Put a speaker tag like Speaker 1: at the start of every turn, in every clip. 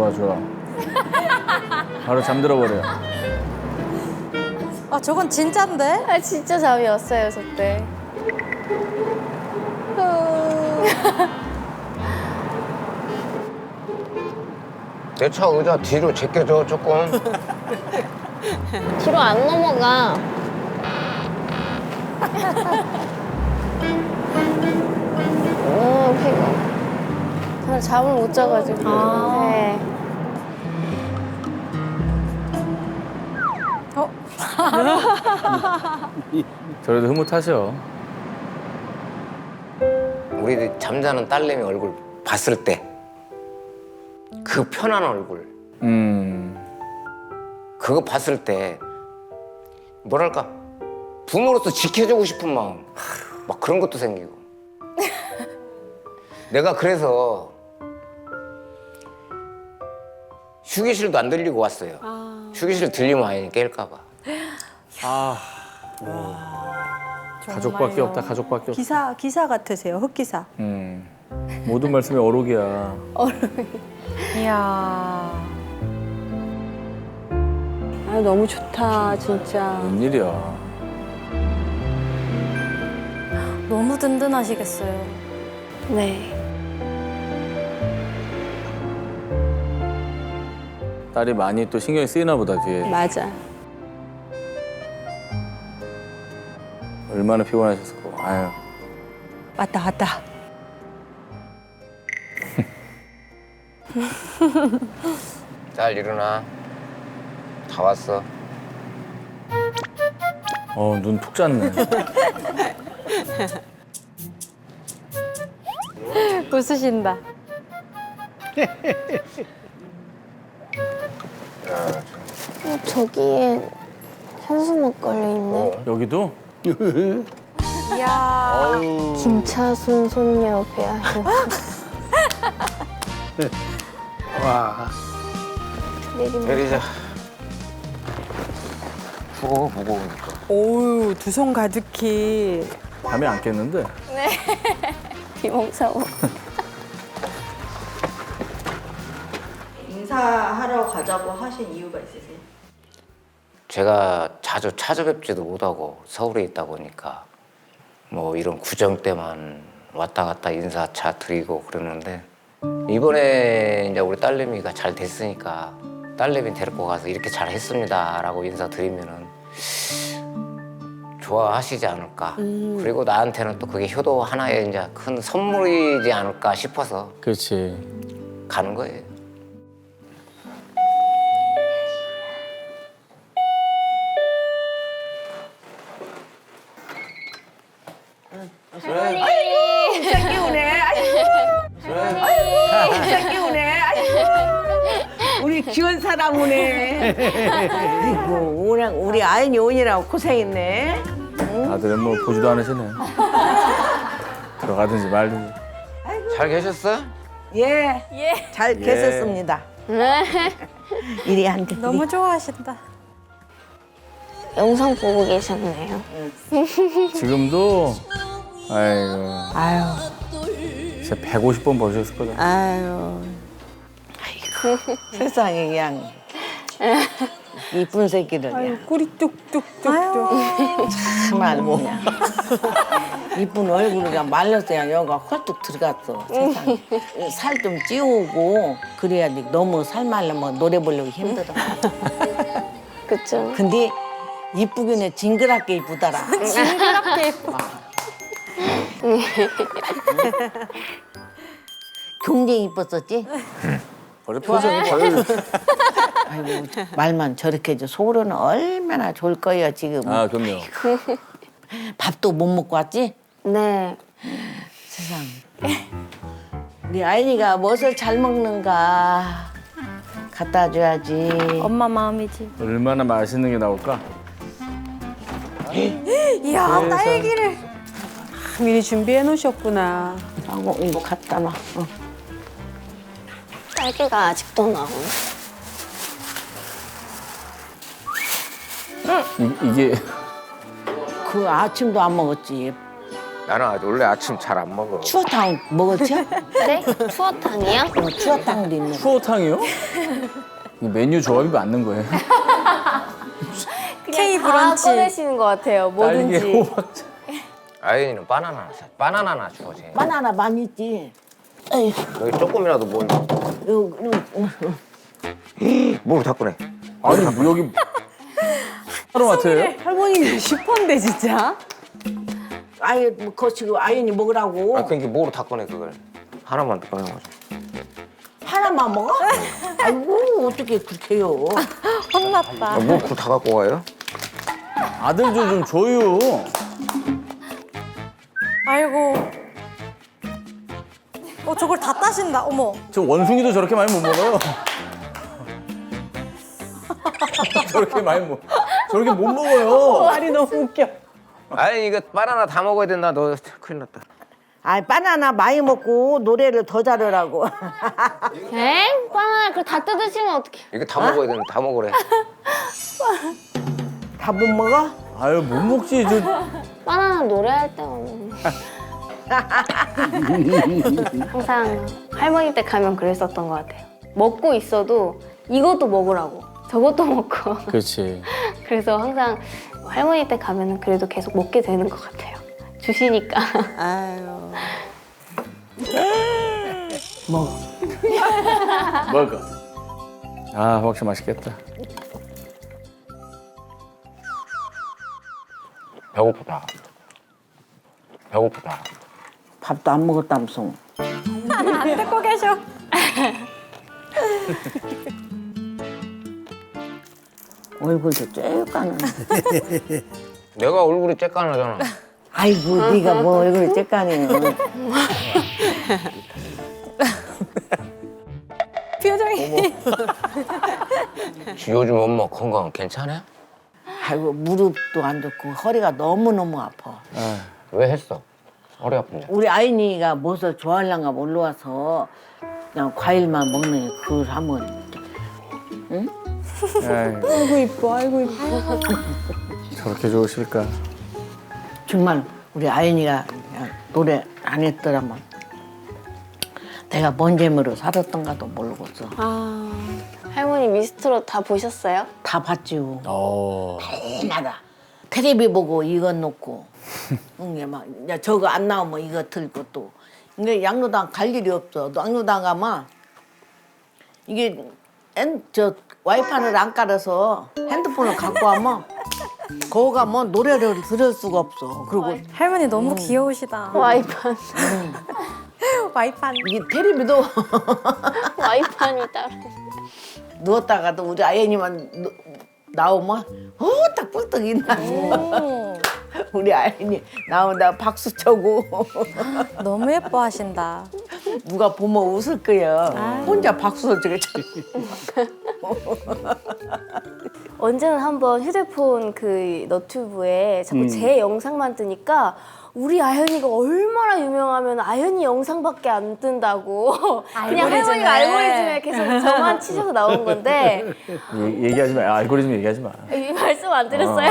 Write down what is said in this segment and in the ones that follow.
Speaker 1: 좋아, 좋아. 바로 잠들어 버려.
Speaker 2: 아 저건 진짠데?
Speaker 3: 아 진짜 잠이 왔어요 저 때.
Speaker 4: 내 차 의자 뒤로 제껴줘 조금.
Speaker 3: 뒤로 안 넘어가. 피곤. 저는 잠을 못 자가지고. 네.
Speaker 1: 저래도 흐뭇하셔.
Speaker 4: 우리 잠자는 딸내미 얼굴 봤을 때 그 편한 얼굴 그거 봤을 때 뭐랄까 부모로서 지켜주고 싶은 마음 막 그런 것도 생기고 내가 그래서 휴게실도 안 들리고 왔어요. 휴게실 들리면 아이 깰까 봐.
Speaker 1: 가족밖에 없다, 가족밖에 없다.
Speaker 5: 기사 같으세요, 흑기사.
Speaker 1: 모든 말씀이 어록이야.
Speaker 2: 이야.
Speaker 5: 아, 너무 좋다, 진짜.
Speaker 1: 웬일이야.
Speaker 2: 너무 든든하시겠어요.
Speaker 3: 네.
Speaker 1: 딸이 많이 또 신경이 쓰이나 보다, 뒤에.
Speaker 5: 맞아.
Speaker 1: 얼마나 피곤하셨을까. 아유.
Speaker 5: 왔다, 왔다.
Speaker 4: 딸 일어나. 다 왔어.
Speaker 1: 눈 푹 잤네.
Speaker 2: 웃으신다.
Speaker 3: 저기에 현수막걸리 있네.
Speaker 1: 여기도?
Speaker 2: 이야.
Speaker 3: 김차순 손녀 배아현.
Speaker 4: 와. 내리자. 무거워 무거우니까.
Speaker 5: 오우, 두 손 가득히.
Speaker 1: 밤에 안 깼는데?
Speaker 3: 비몽사몽.
Speaker 5: 인사하러 가자고 하신 이유가 있으세요?
Speaker 4: 제가 자주 찾아뵙지도 못하고 서울에 있다 보니까 뭐 이런 구정 때만 왔다 갔다 인사차 드리고 그러는데 이번에 이제 우리 딸내미가 잘 됐으니까 딸내미 데리고 가서 이렇게 잘 했습니다라고 인사드리면은 좋아하시지 않을까. 그리고 나한테는 또 그게 효도 하나의 이제 큰 선물이지 않을까 싶어서
Speaker 1: 그렇지.
Speaker 4: 가는 거예요.
Speaker 5: 새끼 오네. 아이고, 새끼 오네. 아이고. 우리 귀여운 사람 오네. 아이고, 우리 아인이 오느라고 고생했네.
Speaker 1: 다들 뭐 보지도 않으시네. 들어가든지 말든지.
Speaker 4: 잘 계셨어?
Speaker 5: 예. 잘
Speaker 1: 예.
Speaker 5: 계셨습니다. 이리 앉아.
Speaker 2: 너무 좋아하신다.
Speaker 3: 영상 보고 계셨네요.
Speaker 1: 지금도 아이고
Speaker 5: 아유,
Speaker 1: 진짜 150번 보셨을 거다.
Speaker 5: 아유. 세상에 그냥 이쁜 새끼들 그냥
Speaker 2: 꿀이 뚝뚝뚝뚝.
Speaker 5: 정말 뭐 이쁜 얼굴이 그냥 말라서 그냥 여기가 헐뚝 들어갔어. 세상에 살 좀 찌우고 그래야지 너무 살 말르면 노래 부르기 힘들어.
Speaker 3: 그쵸?
Speaker 5: 근데 이쁘긴 해. 징그럽게 이쁘더라.
Speaker 2: 징그럽게 예뻐.
Speaker 5: 굉장히 이뻤었지?
Speaker 1: 원래 표정이 별.
Speaker 5: 아이고 말만 저렇게 해줘. 속으로는 얼마나 좋을 거예요 지금.
Speaker 1: 아 그럼요.
Speaker 5: 밥도 못 먹고 왔지?
Speaker 3: 네.
Speaker 5: 세상. 우리 아이니가 무엇을 잘 먹는가 갖다 줘야지.
Speaker 2: 엄마 마음이지.
Speaker 1: 얼마나 맛있는 게 나올까?
Speaker 2: 이야 딸기를.
Speaker 6: 미리 준비해 놓으셨구나.
Speaker 5: 하고 이거 갖다 놔.
Speaker 3: 딸기가 아직도 나오네.
Speaker 1: 이게
Speaker 5: 그 아침도 안 먹었지.
Speaker 4: 나는 원래 아침 잘 안 먹어.
Speaker 5: 추어탕 먹었지?
Speaker 3: 네? 추어탕이요?
Speaker 5: 추어탕도 있네.
Speaker 1: 추어탕이요? 이 메뉴 조합이 맞는 거예요?
Speaker 2: K
Speaker 3: 다
Speaker 2: 브런치.
Speaker 3: 꺼내시는 것 같아요.
Speaker 1: 딸기
Speaker 3: 뭐든지.
Speaker 1: 호박차.
Speaker 4: 아연이는 바나나 주워. 쟤.
Speaker 5: 바나나 많이 있지. 에이,
Speaker 4: 여기 조금이라도 뭐 뭘 다 꺼내.
Speaker 1: 아니 뭐 여기 하루마트예요?
Speaker 6: 할머니 슈퍼인데 진짜.
Speaker 5: 아예 뭐 거치고 아연이 먹으라고.
Speaker 4: 아 그러니까 뭐로 다 꺼내 그걸. 하나만 더 꺼내가지고.
Speaker 5: 하나만 먹어? 아이고 어떻게 그렇게 해요?
Speaker 2: 혼났다.
Speaker 4: 뭐그다 갖고 가요?
Speaker 1: 아들 좀 줘요.
Speaker 2: 아이고. 저걸 다 따신다. 어머.
Speaker 1: 저 원숭이도 저렇게 많이 못 먹어요. 저렇게 못 먹어요.
Speaker 6: 말이 너무 웃겨.
Speaker 4: 아니 이거 바나나 다 먹어야 된다. 너 큰일 났다.
Speaker 5: 아 바나나 많이 먹고 노래를 더 잘하라고.
Speaker 3: 엥? 바나나 그거 다 뜯으시면 어떡해.
Speaker 4: 이거 다 먹어야 된다. 다 먹으래.
Speaker 5: 다 못 먹어?
Speaker 1: 아유 못 먹지. 저
Speaker 3: 바나나 노래할 때 오면. 항상 할머니 댁 가면 그랬었던 것 같아요. 먹고 있어도 이것도 먹으라고. 저것도 먹고.
Speaker 1: 그렇지.
Speaker 3: 그래서 항상 할머니 댁 가면은 그래도 계속 먹게 되는 것 같아요. 주시니까.
Speaker 2: 아유.
Speaker 5: 먹어.
Speaker 1: 먹어. 아 호박차 맛있겠다.
Speaker 4: 배고프다. 배고프다.
Speaker 5: 밥도 안 먹었다면서.
Speaker 2: 안 듣고 계셔.
Speaker 5: 얼굴도 쬐까는.
Speaker 4: 내가 얼굴이 쬐까나잖아.
Speaker 5: 아이고 네가 뭐 얼굴이 쬐까네.
Speaker 2: 표정이.
Speaker 4: 요즘 엄마 건강 괜찮아?
Speaker 5: 아이고 무릎도 안 좋고 허리가 너무너무 아파.
Speaker 4: 왜 했어? 허리 아픈데.
Speaker 5: 우리 아이니가 무엇을 좋아하려나 올라와서 그냥 과일만 먹는 그걸 하면
Speaker 1: 아이고,
Speaker 6: 아이고 이뻐. 아이고 이뻐.
Speaker 1: 저렇게 좋으실까?
Speaker 5: 정말 우리 아이니가 그냥 노래 안 했더라면 내가 뭔 재미로 살았던가도 모르겠어.
Speaker 3: 할머니 미스트롯 다 보셨어요?
Speaker 5: 다 봤지요.
Speaker 1: 어.
Speaker 5: 해마다 텔레비 보고 이거 놓고 이게 막 이제 저거 안 나오면 이거 틀고 또 이게 양로당 갈 일이 없어. 양로당 가면 이게 저 와이파이를 안 깔아서 핸드폰을 갖고 와면 거기 가면 노래를 들을 수가 없어. 그리고
Speaker 2: 할머니 너무 귀여우시다.
Speaker 3: 와이판.
Speaker 2: 와이판.
Speaker 5: 이게 텔레비도
Speaker 3: 와이판이 따로.
Speaker 5: 누웠다가도 우리 아이님만 나오면 딱 뿔떡 있나. 우리 아이님 나온다 박수 쳐고
Speaker 2: 너무 예뻐하신다.
Speaker 5: 누가 보면 웃을 거야. 혼자 박수 치고
Speaker 3: 언제는 한번 휴대폰 그 너튜브에 자꾸 제 영상만 뜨니까 우리 아현이가 얼마나 유명하면 아현이 영상밖에 안 뜬다고 그냥 할머니가 알고리즘에 계속 저만 치셔서 나온 건데
Speaker 1: 얘기하지 마. 알고리즘 얘기하지 마.
Speaker 3: 이 말씀 안 드렸어요?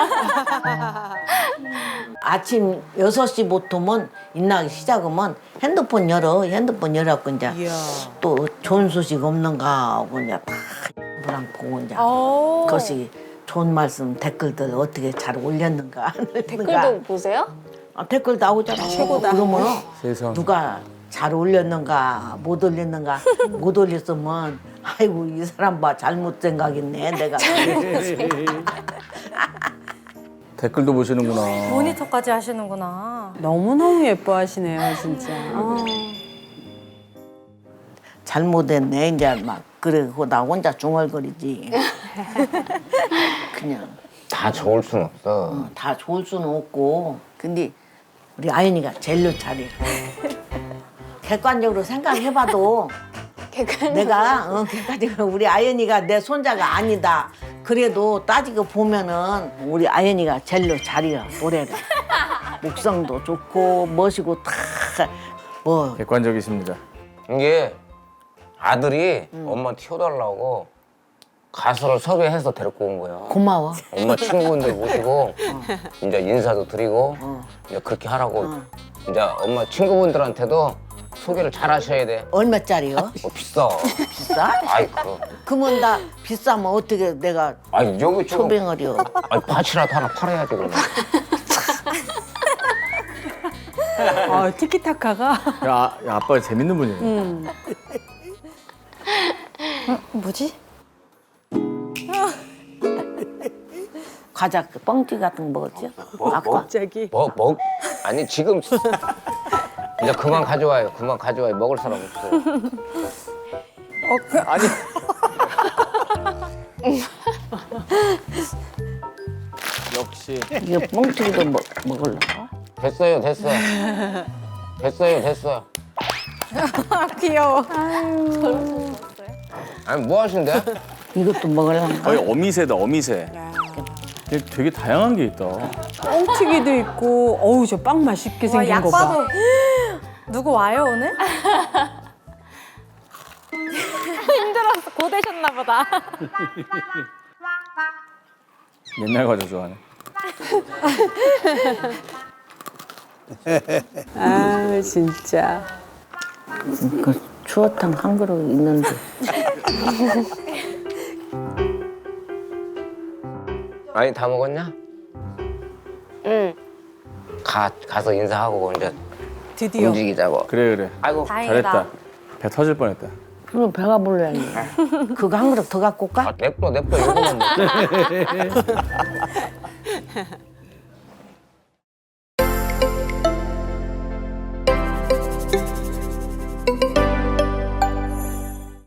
Speaker 5: 아침 6시부터면 인나기 시작하면 핸드폰 열어갖고 이제 또 좋은 소식 없는가 하고 이제 다 뭐랑 보고 이제 그것이 좋은 말씀 댓글들 어떻게 잘 올렸는가 안 올렸는가.
Speaker 3: 댓글도 보세요?
Speaker 5: 댓글 나오잖아. 최고다. 그러면
Speaker 1: 세상.
Speaker 5: 누가 잘 올렸는가 못 올렸는가 못 올렸으면 아이고 이 사람 봐 잘못 생각했네 내가.
Speaker 1: 댓글도 보시는구나.
Speaker 2: 모니터까지 하시는구나.
Speaker 6: 너무너무 예뻐하시네요 진짜.
Speaker 5: 잘못했네 이제 막 그러고 나 혼자 중얼거리지. 그냥
Speaker 4: 다 좋을 순 없어.
Speaker 5: 다 좋을 수는 없고 근데 우리 아연이가 제일로 잘해. 객관적으로 생각해봐도 내가 객관적으로 우리 아연이가 내 손자가 아니다. 그래도 따지고 보면은 우리 아연이가 제일로 잘해요 노래를. 목성도 좋고 멋이고 다 뭐
Speaker 1: 객관적이십니다.
Speaker 4: 이게 아들이 엄마 튀어달라고 가수를 섭외해서 데리고 온 거야.
Speaker 5: 고마워.
Speaker 4: 엄마 친구분들 모시고 이제 인사도 드리고 이제 그렇게 하라고. 이제 엄마 친구분들한테도 소개를 잘 하셔야 돼.
Speaker 5: 얼마짜리요?
Speaker 4: 비싸.
Speaker 5: 비싸?
Speaker 4: 아이 그.
Speaker 5: 그러면 나 비싸면 어떻게 내가
Speaker 4: 아니 여기 지금
Speaker 5: 초뱅어리요?
Speaker 4: 아니 밭이라도 하나 팔아야지 그러면.
Speaker 6: 티키타카가.
Speaker 1: 야, 아빠가 재밌는 분이네.
Speaker 2: 뭐지?
Speaker 5: 과자 그 뻥튀기 같은 거 먹었지? 아까
Speaker 6: 갑자기.
Speaker 4: 아니 지금 이제 그만 가져와요. 그만 가져와요. 먹을 사람 없어.
Speaker 1: 아니. 역시.
Speaker 5: 이거 뻥튀기도 먹으려고?
Speaker 4: 됐어요. 됐어요.
Speaker 2: 귀여워.
Speaker 4: 아니 뭐 하신대?
Speaker 5: 이것도 먹으려고?
Speaker 1: 거의 어미새다, 어미새. 되게 다양한 게 있다.
Speaker 6: 뻥튀기도 있고, 어우, 저 빵 맛있게 생긴
Speaker 2: 약
Speaker 6: 거 봐.
Speaker 2: 봐도 누구 와요 오늘? 힘들어서 고되셨나 보다.
Speaker 1: 옛날 과자 좋아하네.
Speaker 6: 아, 진짜.
Speaker 5: 그 추어탕 한 그릇 있는데.
Speaker 4: 아니 다 먹었냐?
Speaker 3: 응.
Speaker 4: 가서 인사하고 이제
Speaker 6: 드디어.
Speaker 4: 움직이자고.
Speaker 1: 그래.
Speaker 4: 아이고
Speaker 2: 다행이다.
Speaker 1: 잘했다. 배 터질 뻔했다.
Speaker 5: 그럼 배가 불러야지. 그거 한 그릇 더 갖고 올까?
Speaker 4: 냅둬 이거만 먹자.